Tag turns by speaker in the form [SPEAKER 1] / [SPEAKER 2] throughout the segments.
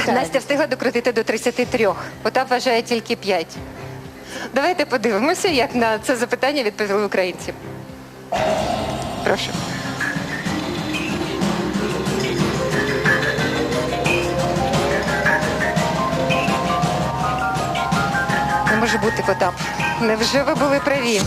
[SPEAKER 1] Настя встигла докрутити до 33. Потап вважає тільки 5. Давайте подивимося, як на це запитання відповіли українці. Прошу. Не може бути, Потап. Невже ви були праві?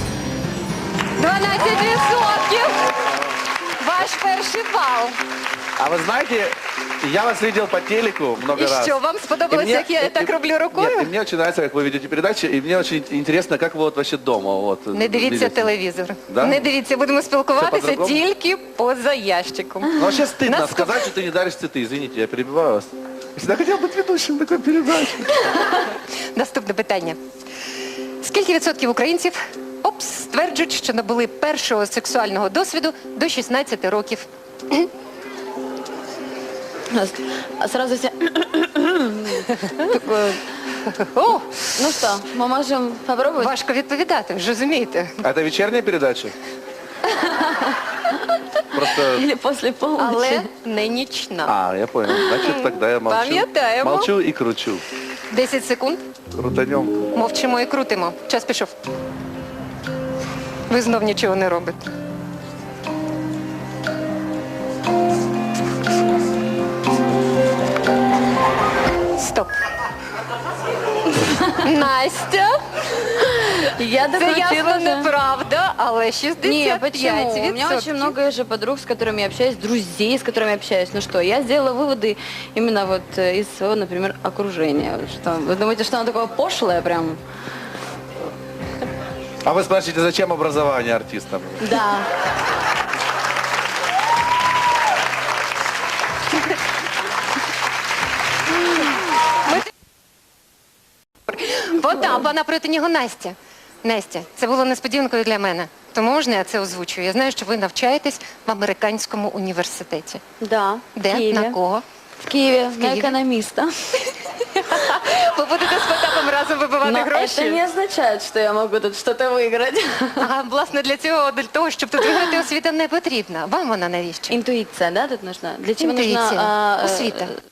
[SPEAKER 1] 12%! Ваш перший бал.
[SPEAKER 2] А вы знаете, я вас видел по телеку много
[SPEAKER 1] І
[SPEAKER 2] раз.
[SPEAKER 1] що, вам сподобалось, як я так роблю рукою?
[SPEAKER 2] Нет, и мне очень нравится, как вы ведете передачи, и мне очень интересно, как вы вот вообще дома. Вот,
[SPEAKER 1] Не дивіться
[SPEAKER 2] видите.
[SPEAKER 1] телевізор.
[SPEAKER 2] Да?
[SPEAKER 1] Не дивіться, будемо спілкуватися
[SPEAKER 2] по-другому?
[SPEAKER 1] тільки поза ящиком.
[SPEAKER 2] Ну вообще стыдно
[SPEAKER 1] Нас-
[SPEAKER 2] сказать, что ты не даришь цветы. Извините, я перебиваю вас. Я всегда хотел быть ведущим такой передачи.
[SPEAKER 1] Наступне питання. Скільки відсотків українців стверджують, що набули першого сексуального досвіду до 16 років?
[SPEAKER 3] А сразу все... Такое...
[SPEAKER 1] О,
[SPEAKER 3] Ну что, мы можем попробовать?
[SPEAKER 1] важко відповідати, ви ж розумієте.
[SPEAKER 2] А это вечерняя передача? Просто...
[SPEAKER 3] Или после полуночи?
[SPEAKER 1] Але не нічна.
[SPEAKER 2] А, я понял. Значит, тогда я молчу.
[SPEAKER 1] Пам'ятаємо.
[SPEAKER 2] Молчу и кручу.
[SPEAKER 1] 10 секунд.
[SPEAKER 2] Крутанем.
[SPEAKER 1] Мовчимо і крутимо. Час пішов. Ви знов нічого не робите. Стоп. Настя,
[SPEAKER 3] Я
[SPEAKER 1] це ясно
[SPEAKER 3] докрутила же.
[SPEAKER 1] неправда, але 65%.
[SPEAKER 3] Не, почему? У меня очень много же подруг, с которыми я общаюсь, друзей, с которыми я общаюсь. Ну что, я сделала выводы именно вот из своего, например, окружения. Что, вы думаете, что оно такое пошлое прям?
[SPEAKER 2] А вы спрашиваете, зачем образование артистам?
[SPEAKER 3] Да.
[SPEAKER 1] Потап, а напроти нього Настя. Настя, це було несподіванкою для мене. Тому можна я це озвучую? Я знаю, що ви навчаєтесь в американському університеті.
[SPEAKER 3] Да.
[SPEAKER 1] Де?
[SPEAKER 3] В Киеве.
[SPEAKER 1] На кого?
[SPEAKER 3] В Киеве, на
[SPEAKER 1] Киеве?
[SPEAKER 3] экономиста.
[SPEAKER 1] Ви будете з Потапом разом вибивати
[SPEAKER 3] Но
[SPEAKER 1] гроші?
[SPEAKER 3] это не означает, что я могу тут что-то выиграть.
[SPEAKER 1] А, власне, для того, щоб тут виграти, освіта не потрібна. Вам вона навіщо?
[SPEAKER 3] Интуиция, да, тут нужна? Для чего
[SPEAKER 1] Интуиция.
[SPEAKER 3] нужна
[SPEAKER 1] Освіта.